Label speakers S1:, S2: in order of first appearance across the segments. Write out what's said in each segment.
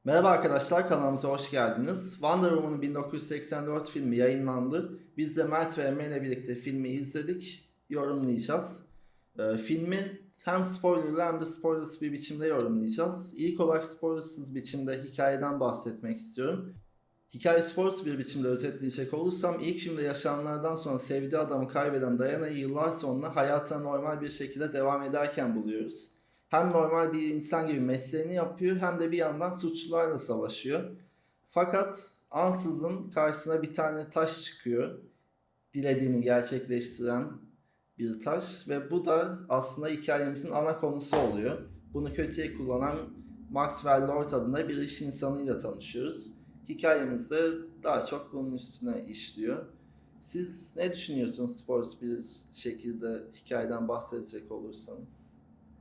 S1: Merhaba arkadaşlar, kanalımıza hoş geldiniz. Wonder Woman'ın 1984 filmi yayınlandı. Biz de Mert ve Emre ile birlikte filmi izledik, yorumlayacağız. Filmi hem spoilerlı hem de spoilersız bir biçimde yorumlayacağız. İlk olarak spoilersız biçimde hikayeden bahsetmek istiyorum. Hikaye spoilersız bir biçimde özetleyecek olursam ilk filmde yaşananlardan sonra sevdiği adamı kaybeden Diana'yı yıllar sonra hayatına normal bir şekilde devam ederken buluyoruz. Hem normal bir insan gibi mesleğini yapıyor hem de bir yandan suçlularla savaşıyor. Fakat ansızın karşısına bir tane taş çıkıyor. Dilediğini gerçekleştiren bir taş ve bu da aslında hikayemizin ana konusu oluyor. Bunu kötüye kullanan Maxwell Lord adında bir iş insanıyla tanışıyoruz. Hikayemiz de daha çok bunun üstüne işliyor. Siz ne düşünüyorsunuz sports bir şekilde hikayeden bahsedecek olursanız?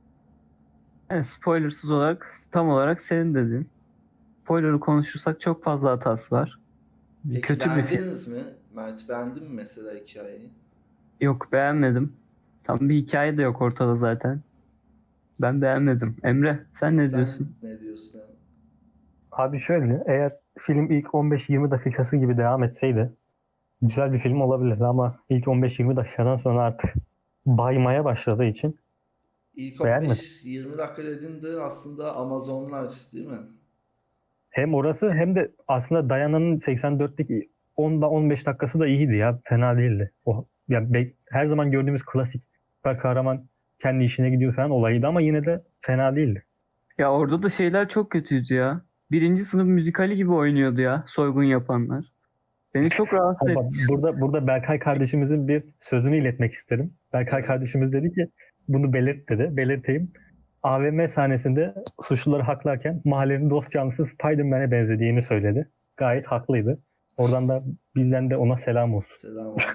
S2: Yani spoilersız olarak tam olarak senin dedin. Spoiler'ı konuşursak çok fazla hatası var.
S1: Peki
S2: Kötü bir film.
S1: beğendiniz mi? Mert beğendin mi mesela hikayeyi?
S2: Yok, beğenmedim. Tam bir hikaye de yok ortada zaten. Ben beğenmedim. Emre, sen ne
S1: Sen
S2: diyorsun?
S1: ne diyorsun abi?
S3: Abi şöyle, eğer film ilk 15-20 dakikası gibi devam etseydi güzel bir film olabilirdi ama ilk 15-20 dakikadan sonra artık baymaya başladığı için
S1: İlk
S3: beğenmedim.
S1: 15-20 dakika dediğinde aslında Amazonlar değil mi?
S3: Hem orası hem de aslında Diana'nın 84'teki 10'da 15 dakikası da iyiydi ya. Fena değildi. O ya her zaman gördüğümüz klasik süper kahraman kendi işine gidiyor falan olayıydı ama yine de fena değildi.
S2: Ya orada da şeyler çok kötüydü ya. Birinci sınıf müzikali gibi oynuyordu ya soygun yapanlar. Beni çok rahatsız
S3: Ama
S2: etti.
S3: bak, burada Berkay kardeşimizin bir sözünü iletmek isterim. Berkay
S1: Evet.
S3: kardeşimiz dedi ki bunu belirt dedi. Belirteyim. AVM sahnesinde suçluları haklarken mahallenin dost canlısı Spider-Man'e benzediğini söyledi. Gayet haklıydı. Oradan da bizden de ona selam olsun.
S1: Selam olsun.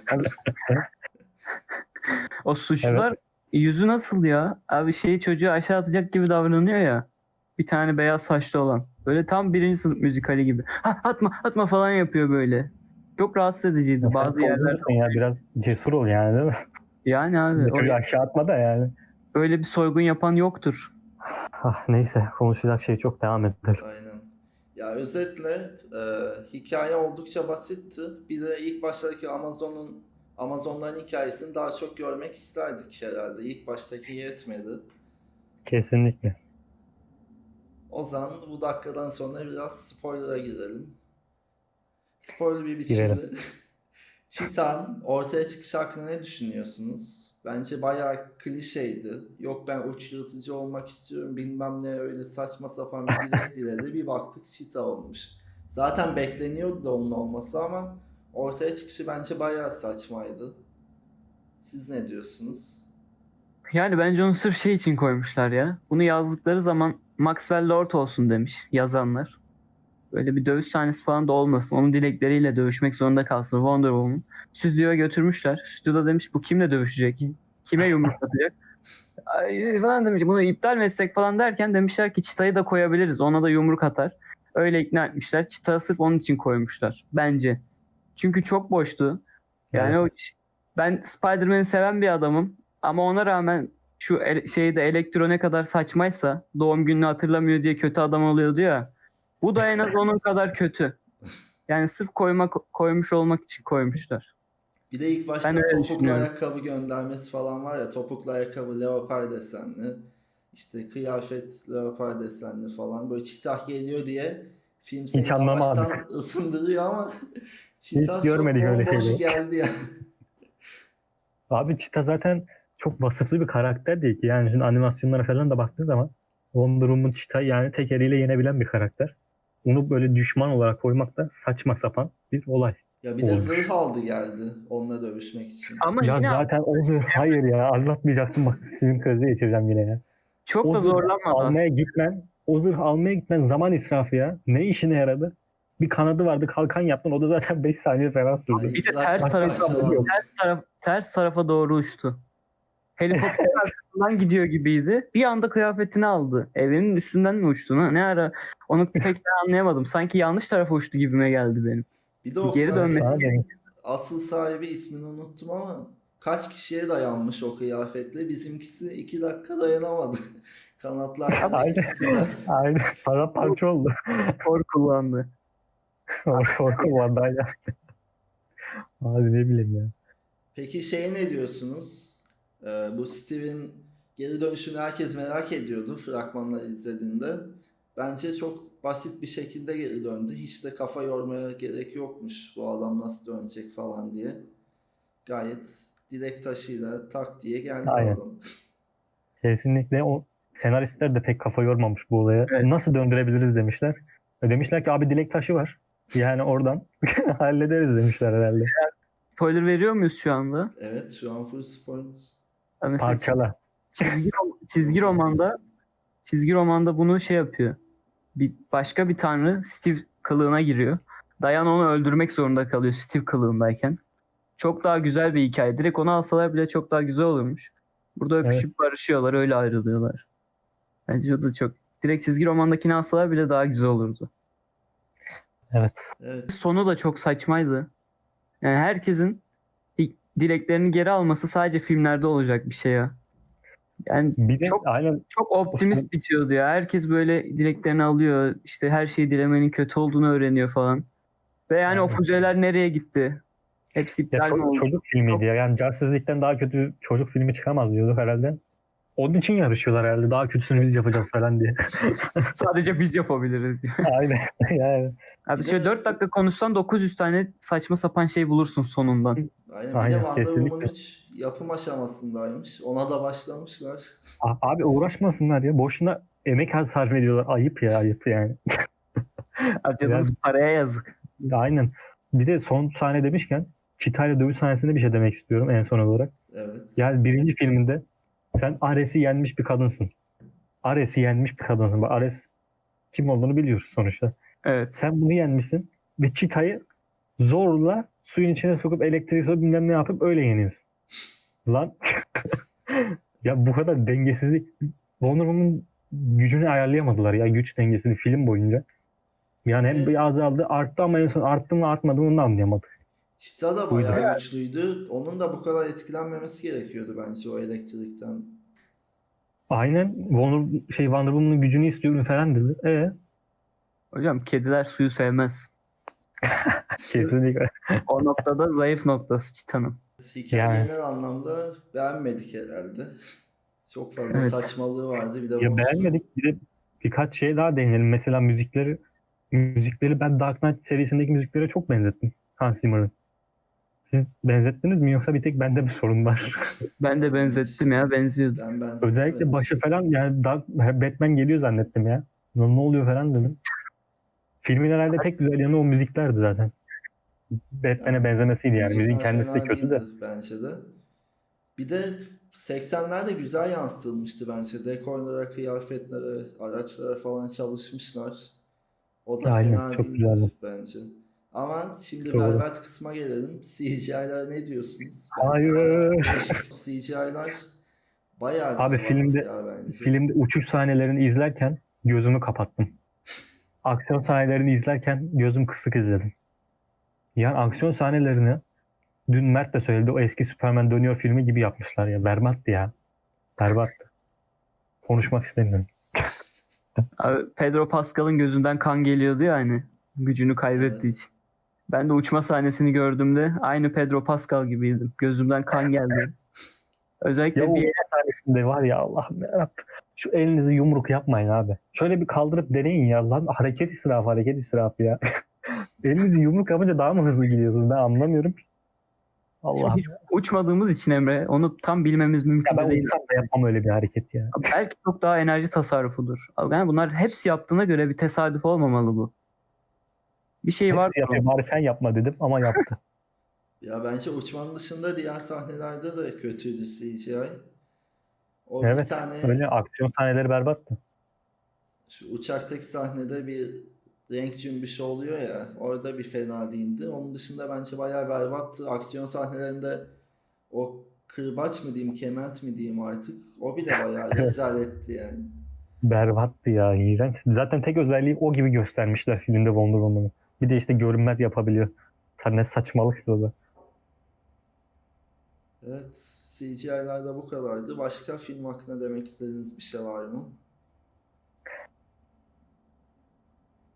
S2: O suçlular yüzü nasıl ya? Abi çocuğu aşağı atacak gibi davranıyor ya. Bir tane beyaz saçlı olan. Böyle tam birinci sınıf müzikali gibi. Ha, atma atma falan yapıyor böyle. Çok rahatsız ediciydi
S3: Ya sen
S2: bazı yerler.
S3: korkunçsun ya, biraz cesur ol yani, değil mi?
S2: Yani abi
S3: Çocuğu aşağı atma da yani.
S2: öyle bir soygun yapan yoktur.
S3: Neyse, konuşacak şey çok, devam edelim.
S1: Aynen. Ya özetle hikaye oldukça basitti. Bir de ilk baştaki Amazonların hikayesini daha çok görmek isterdik herhalde. İlk baştaki yetmedi.
S3: Kesinlikle.
S1: O zaman bu dakikadan sonra biraz spoiler'a girelim. Spoiler bir
S3: Girelim.
S1: biçimde. Çitan ortaya çıkış hakkında ne düşünüyorsunuz? Bence bayağı klişeydi. Yok ben uçurtucu olmak istiyorum bilmem ne öyle saçma sapan bir dilek diledi. Bir baktık çita olmuş. Zaten bekleniyordu da onun olması ama ortaya çıkışı bence bayağı saçmaydı. Siz ne diyorsunuz?
S2: Yani bence onu sırf şey için koymuşlar ya. Bunu yazdıkları zaman Maxwell Lord olsun demiş yazanlar. Böyle bir dövüş sahnesi falan da olmasın. Onun dilekleriyle dövüşmek zorunda kalsın Wonder Woman. Stüdyoya götürmüşler. Stüdyoda demiş bu kimle dövüşecek? Kime yumruk atacak? Ay, falan demiş. Bunu iptal mi etsek falan derken demişler ki Cheetah'yı da koyabiliriz. Ona da yumruk atar. Öyle ikna etmişler. Cheetah'ı sırf onun için koymuşlar. Bence. Çünkü çok boştu. Yani
S3: Evet.
S2: ben Spider-Man'i seven bir adamım. Ama ona rağmen şu şeyde Elektro ne kadar saçmaysa doğum gününü hatırlamıyor diye kötü adam oluyordu ya. Bu da en az onun kadar kötü. Yani sırf koymuş olmak için koymuşlar.
S1: Bir de ilk
S2: Ben
S1: başta
S2: öyle
S1: topuklu
S2: düşünüyorum.
S1: ayakkabı göndermesi falan var ya, topuklu ayakkabı leopar desenli, işte kıyafet leopar desenli falan, böyle çitah geliyor diye film seni
S3: Hiç anlamadık.
S1: yavaştan ısındırıyor ama
S3: Hiç
S1: çitah çok
S3: görmedik öyle
S1: bomboş
S3: şeyleri.
S1: geldi ya.
S3: Abi Cheetah zaten çok vasıflı bir karakter değil ki. Yani şimdi animasyonlara falan da baktığın zaman Wonder Woman Cheetah yani tek eliyle yenebilen bir karakter. Onu böyle düşman olarak koymak da saçma sapan bir olay
S1: Ya bir de zırh
S3: olmuş.
S1: aldı geldi onunla dövüşmek için.
S2: Ama
S3: Ya
S2: yine
S3: zaten o zırh, hayır ya, anlatmayacaktım, bak sinir krizi geçireceğim yine ya.
S2: çok
S3: O
S2: da
S3: zırh
S2: zorlanmadı
S3: almaya
S2: aslında.
S3: gitmen, o zırh almaya gitmen zaman israfı ya. Ne işine yaradı? Bir kanadı vardı, kalkan yaptın, o da zaten 5 saniye falan sürdü.
S1: Ay
S2: Bir de
S1: 2 dakika parçalandı.
S2: ters tarafa doğru uçtu. Helikopter arkasından gidiyor gibiydi. Bir anda kıyafetini aldı. Evinin üstünden mi uçtu? Ne ara? Onu pek de anlayamadım. Sanki yanlış tarafa uçtu gibime geldi benim.
S1: Bir de
S2: Bir
S1: o
S2: geri dönmesi
S1: kıyafetin
S3: Abi,
S1: asıl sahibi ismini unuttum ama kaç kişiye dayanmış o kıyafetle, bizimkisi 2 dakika dayanamadı. Kanatlar direkt
S3: Aynen.
S1: gitti zaten.
S3: Aynen. Paramparça oldu.
S2: Thor kullandı.
S3: Korku vardı aynen. Abi ne bileyim ya.
S1: Peki şeye ne diyorsunuz? Bu Steve'in geri dönüşünü herkes merak ediyordu fragmanları izlediğinde. Bence çok basit bir şekilde geri döndü. Hiç de kafa yormaya gerek yokmuş bu adam nasıl dönecek falan diye. Gayet dilek taşıyla tak diye geldi
S3: Aynen.
S1: adam.
S3: Kesinlikle o senaristler de pek kafa yormamış bu olaya.
S2: Evet.
S3: Nasıl döndürebiliriz demişler. Demişler ki abi dilek taşı var. Yani oradan hallederiz demişler herhalde.
S2: Spoiler veriyor muyuz şu anda?
S1: Evet, şu an full spoiler.
S2: Ya mesela
S3: Parçala.
S2: çizgi romanda bunu şey yapıyor. Başka bir tanrı Steve kılığına giriyor. Diana onu öldürmek zorunda kalıyor Steve kılığındayken. Çok daha güzel bir hikaye. Direkt onu alsalar bile çok daha güzel olurmuş. Burada öpüşüp barışıyorlar, öyle ayrılıyorlar. Bence o da çok... Direkt çizgi romandakini alsalar bile daha güzel olurdu.
S3: Evet.
S1: Evet.
S2: Sonu da çok saçmaydı. Yani herkesin dileklerini geri alması sadece filmlerde olacak bir şey ya. Yani
S3: Bir de
S2: çok
S3: aynen
S2: çok optimist bitiyordu ya. Herkes böyle dileklerini alıyor. İşte her şeyi dilemenin kötü olduğunu öğreniyor falan. Ve yani o
S3: Aynen.
S2: füzeler nereye gitti? Hepsi
S3: Ya
S2: iptal mi oldu?
S3: çocuk filmiydi ya. Yani Justice League'den daha kötü çocuk filmi çıkamaz diyorduk herhalde. Onun için yarışıyorlar herhalde. Daha kötüsünü biz yapacağız falan diye.
S2: Sadece biz yapabiliriz diyor.
S3: Aynen. Yani.
S2: Abi
S1: Bir
S2: şöyle
S1: de-
S3: şey
S2: 4 dakika konuşsan 900 tane saçma sapan şey bulursun sonundan.
S1: Aynen. Bir de
S3: Aynen,
S1: Wonder Woman
S3: kesinlikle.
S1: 3 yapım aşamasındaymış. Ona da başlamışlar.
S3: Abi uğraşmasınlar ya. Boşuna emek sarf ediyorlar. Ayıp ya, ayıp yani.
S2: Harcadığımız paraya yazık.
S3: Aynen. Bir de son sahne demişken Cheetah'yla dövüş sahnesinde bir şey demek istiyorum en son olarak.
S1: Evet.
S3: Yani birinci filminde sen Ares'i yenmiş bir kadınsın. Ares'i yenmiş bir kadınsın. Bak Ares kim olduğunu biliyoruz sonuçta.
S2: Evet.
S3: Sen bunu yenmişsin ve Cheetah'yı zorla suyun içine sokup elektrik sokup bilmem ne yapıp öyle yeniyorsun. Lan ya bu kadar dengesizlik Wonder Woman'ın gücünü ayarlayamadılar ya, güç dengesini film boyunca. Yani hem bir azaldı arttı ama en son arttı mı artmadı mı onu da anlayamadık.
S1: Cheetah da
S3: Buydu.
S1: bayağı güçlüydü. Onun da bu kadar etkilenmemesi gerekiyordu bence o elektrikten.
S3: Aynen Wonder Woman'ın gücünü istiyorum falan dedi.
S2: Hocam kediler suyu sevmez.
S3: Kesinlikle.
S2: O noktada zayıf noktası Çitan'ın.
S1: Hikaye
S3: Yani.
S1: genel anlamda beğenmedik herhalde. Çok fazla
S2: Evet.
S1: saçmalığı vardı. Bir de
S3: Ya beğenmedik. Bir de birkaç şey daha deneyelim. Mesela müzikleri ben Dark Knight serisindeki müziklere çok benzettim. Hans Zimmer'ın. Siz benzettiniz mi yoksa bir tek bende mi sorun var?
S2: Ben de benzettim ya, benziyordu.
S1: Ben benzetemedim.
S3: Özellikle başı falan yani Batman geliyor zannettim ya. Ne oluyor falan dedim. Filmin herhalde tek güzel yanı o müziklerdi zaten. Batman'e benzemesiydi yani. Müziğin
S1: Müzikler
S3: kendisi de
S1: fena
S3: kötü de.
S1: değildi bence de. Bir de 80'lerde güzel yansıtılmıştı bence. Dekorlara, kıyafetlere, araçlara falan çalışmışlar. O da
S3: Aynen,
S1: fena
S3: çok
S1: değildi
S3: güzeldi.
S1: bence. Ama şimdi
S3: Doğru.
S1: berbat kısma gelelim. CGI'lara ne diyorsunuz?
S3: Hayır.
S1: CGI'lar bayağı bir
S3: Abi
S1: abartı ya bence.
S3: filmde uçuş sahnelerini izlerken gözümü kapattım. Aksiyon sahnelerini izlerken gözüm kısık izledim. Yani aksiyon sahnelerini dün Mert de söyledi, o eski Superman dönüyor filmi gibi yapmışlar ya. Berbattı ya. Berbattı. Konuşmak istemiyorum.
S2: Abi Pedro Pascal'ın gözünden kan geliyordu ya hani gücünü kaybettiği
S1: Evet.
S2: için. Ben de uçma sahnesini gördüğümde aynı Pedro Pascal gibiydim. Gözümden kan geldi. Özellikle
S3: Ya o
S2: bir
S3: sahnesinde var ya, Allah'ım yarabbim. Şu elinizi yumruk yapmayın abi. Şöyle bir kaldırıp deneyin ya lan. Hareket israfı ya. Elinizi yumruk yapınca daha mı hızlı gidiyorsunuz? Ben anlamıyorum. Allah'ım.
S2: hiç uçmadığımız için Emre onu tam bilmemiz mümkün
S3: Ya ben
S2: de değil.
S3: uçsam da yapmam öyle bir hareket ya.
S2: Belki çok daha enerji tasarrufudur. Yani bunlar hepsi yaptığına göre bir tesadüf olmamalı bu. Bir şey var.
S3: Hepsi yapıyor. Bari sen yapma dedim ama yaptı.
S1: Ya bence uçmanın dışında diğer sahnelerde de kötüydü CGI. O bir
S3: Evet.
S1: tane
S3: Öyle aksiyon sahneleri berbattı.
S1: şu uçaktaki sahnede bir renk cümbüşü oluyor ya, orada bir fena değildi. Onun dışında bence bayağı berbattı. Aksiyon sahnelerinde o kırbaç mı diyeyim, kement mi diyeyim artık. O bile bayağı rezaletti yani.
S3: Berbattı ya. İğrenç. Zaten tek özelliği o gibi göstermişler filmde Wonder Woman'ı. Bir de işte görünmez yapabiliyor. Ne saçmalık işte o da.
S1: Evet, CGI'ler de bu kadardı. Başka film hakkında demek istediğiniz bir şey var mı?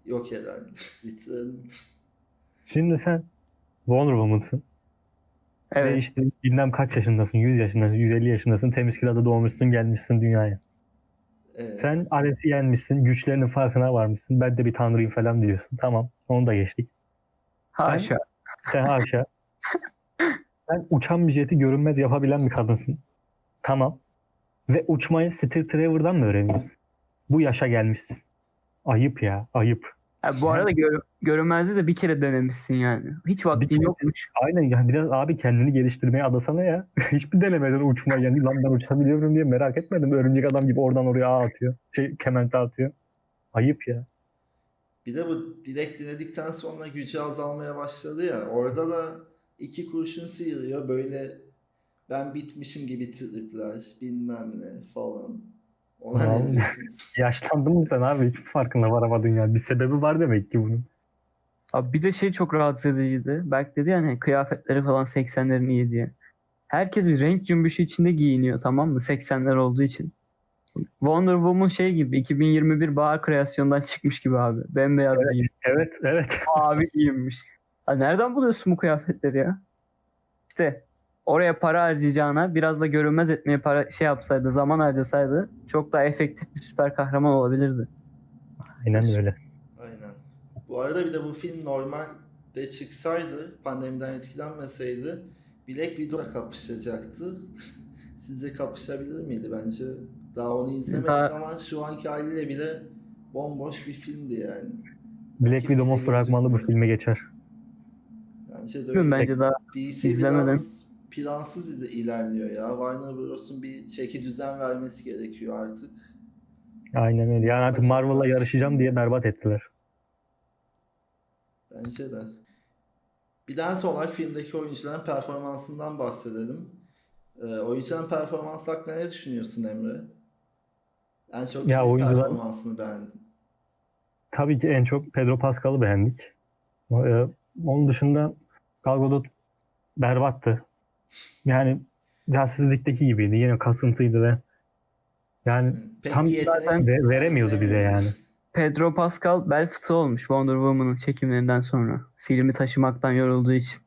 S1: Yok herhalde. Bitirelim.
S3: Şimdi sen Wonder Woman'sın. Ve
S2: Evet.
S3: işte bilmem kaç yaşındasın, 100 yaşındasın, 150 yaşındasın, temiz kirada doğmuşsun, gelmişsin dünyaya.
S1: Evet.
S3: Sen Ares'i yenmişsin, güçlerinin farkına varmışsın. Ben de bir tanrıyım falan diyorsun. Tamam, onu da geçtik.
S2: Haşa.
S3: Sen haşa. Sen uçan bir jeti görünmez yapabilen bir kadınsın. Tamam. Ve uçmayı Steve Trevor'dan mı öğreniyorsun? Bu yaşa gelmişsin. Ayıp ya, ayıp.
S2: Ha, bu arada görünmezliği de bir kere denemişsin yani. Hiç
S3: Bir
S2: vaktin
S3: kere-
S2: yokmuş.
S3: Aynen ya, biraz abi kendini geliştirmeye adasana ya. Hiçbir denemeden uçmayı, yani lan ben uçabiliyorum diye merak etmedim. Örümcek adam gibi oradan oraya ağ atıyor. Kemente atıyor. Ayıp ya.
S1: Bir de bu dilek diledikten sonra gücü azalmaya başladı ya. Orada da 2 kurşun sıyırıyor. Böyle ben bitmişim gibi tripler bilmem ne falan. Ona ne
S3: Vallahi.
S1: diyorsunuz?
S3: Yaşlandın mı sen abi? Hiçbir farkına varamadın ya. Bir sebebi var demek ki bunun.
S2: Abi bir de şey çok rahatsız ediciydi. Berk dedi yani kıyafetleri falan 80'lerin iyi diye. Herkes bir renk cümbüşü içinde giyiniyor, tamam mı? 80'ler olduğu için. Wonder Woman şey gibi 2021 bahar kreasyondan çıkmış gibi abi. Bembeyaz
S3: Evet.
S2: giyinmiş.
S3: Evet, evet.
S2: Mavi giyinmiş. Ha, nereden buluyorsun bu kıyafetleri ya? İşte oraya para harcayacağına biraz da görünmez etmeye para şey yapsaydı, zaman harcasaydı çok daha efektif bir süper kahraman olabilirdi.
S3: Aynen öyle.
S1: Aynen. Bu arada bir de bu film normalde çıksaydı, pandemiden etkilenmeseydi Black Widow'la kapışacaktı. Sizce kapışabilir miydi? Bence daha onu izlemedik
S2: Daha-
S1: ama şu anki haliyle bile bomboş bir filmdi yani.
S3: Black
S1: Rakip
S3: Widow'un
S1: bile
S3: fragmanı bu
S1: gözükmüyor.
S3: filme geçer.
S1: Bence de
S2: Bilmiyorum,
S1: öyle.
S2: bence daha
S1: DC
S2: izlemedim.
S1: biraz plansız ilerliyor ya. Warner Bros'un bir çeki düzen vermesi gerekiyor artık.
S3: Aynen öyle. Yani artık Marvel'la yarışacağım diye berbat ettiler.
S1: Bence de. Bir daha son olarak filmdeki oyuncuların performansından bahsedelim. Oyuncuların performansı hakkında ne düşünüyorsun Emre? En çok
S3: Ya
S1: kimin
S3: oyuncular
S1: performansını beğendin?
S3: tabii ki en çok Pedro Pascal'ı beğendik. Onun dışında Gal Gadot berbattı. Yani Celsizlik'teki gibiydi. Yine kasıntıydı ve yani
S1: Pek
S3: tam
S1: bir yetenek
S2: zaten
S3: veremiyordu bize
S1: sergilemiyordu.
S3: yani.
S2: Pedro Pascal bel fıtığı olmuş Wonder Woman'ın çekimlerinden sonra. Filmi taşımaktan yorulduğu için.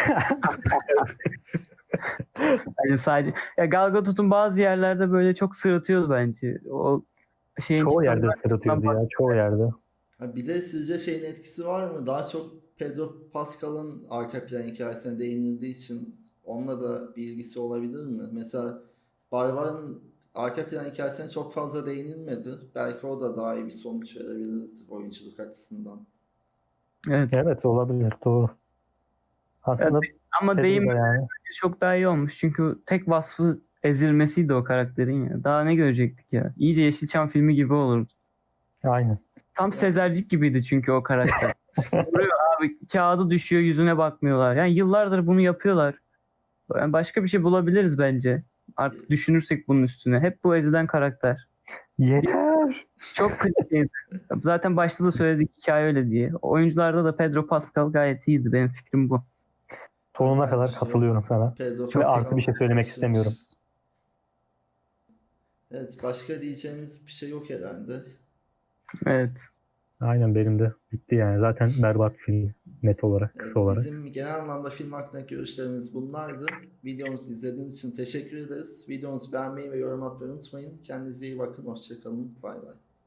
S2: Yani sadece ya Gal Gadot'un bazı yerlerde böyle çok sırıtıyordu bence. O şeyin
S3: Çoğu
S2: çıtanın
S3: yerde sırıtıyordu ya. Çoğu yerde.
S1: Ha, bir de sizce şeyin etkisi var mı? Daha çok Pedro Pascal'ın arka plan hikayesine değinildiği için onunla da bir ilgisi olabilir mi? Mesela Barbar'ın arka plan hikayesine çok fazla değinilmedi. Belki o da daha iyi bir sonuç verebilir oyunculuk açısından.
S2: Evet.
S3: Evet, olabilir. Doğru. Aslında
S2: Ama
S3: Pedro
S2: deyim
S3: da yani.
S2: çok daha iyi olmuş. Çünkü tek vasfı ezilmesiydi o karakterin ya. Daha ne görecektik ya? İyice Yeşilçam filmi gibi olurdu.
S3: Aynen.
S2: Tam Sezercik gibiydi çünkü o karakter. Vuruyor abi, kağıdı düşüyor, yüzüne bakmıyorlar. Yani yıllardır bunu yapıyorlar. Yani başka bir şey bulabiliriz bence. Artık düşünürsek bunun üstüne. Hep bu ezilen karakter.
S3: Yeter.
S2: Çok klişeydi. Zaten başta da söyledik hikaye öyle diye. Oyuncularda da Pedro Pascal gayet iyiydi. Benim fikrim bu.
S3: Sonuna
S1: Aynı
S3: kadar
S1: şey.
S3: katılıyorum sana.
S1: Pedro
S3: Ve
S1: Pascal
S3: artı bir şey söylemek
S1: taşımış.
S3: istemiyorum.
S1: Evet, başka diyeceğimiz bir şey yok herhalde.
S2: Evet.
S3: Aynen, benim de bitti yani. Zaten berbat film net olarak,
S1: Evet,
S3: kısa olarak.
S1: bizim genel anlamda film hakkındaki görüşlerimiz bunlardı. Videomuzu izlediğiniz için teşekkür ederiz. Videomuzu beğenmeyi ve yorum atmayı unutmayın. Kendinize iyi bakın. Hoşça kalın. Bay bay.